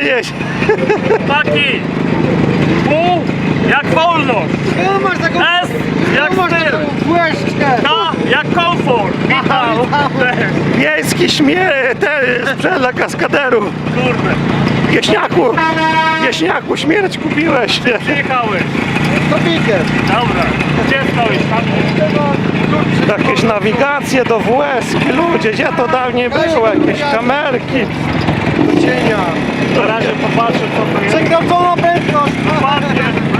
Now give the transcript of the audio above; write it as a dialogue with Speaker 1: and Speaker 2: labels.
Speaker 1: jeźdź.
Speaker 2: Taki. U jak wolność.
Speaker 3: No masz taką...
Speaker 2: S jak
Speaker 3: masz
Speaker 2: styl.
Speaker 3: taką błyszczkę.
Speaker 2: K jak komfort. Witam.
Speaker 1: Miejski sprzęt dla kaskaderów.
Speaker 2: Kurde.
Speaker 1: Wieśniaku, śmierć kupiłeś.
Speaker 2: Przyjechałeś.
Speaker 3: To bikiem.
Speaker 2: Dobra. Gdzie stoisz? Tam.
Speaker 1: Jakieś nawigacje do WS, ludzie, gdzie to dawniej było? Jakieś kamerki.
Speaker 3: Do cienia.
Speaker 2: Na razie popatrzę co to jest.
Speaker 3: Przekręcona prędkość.
Speaker 2: Ładnie.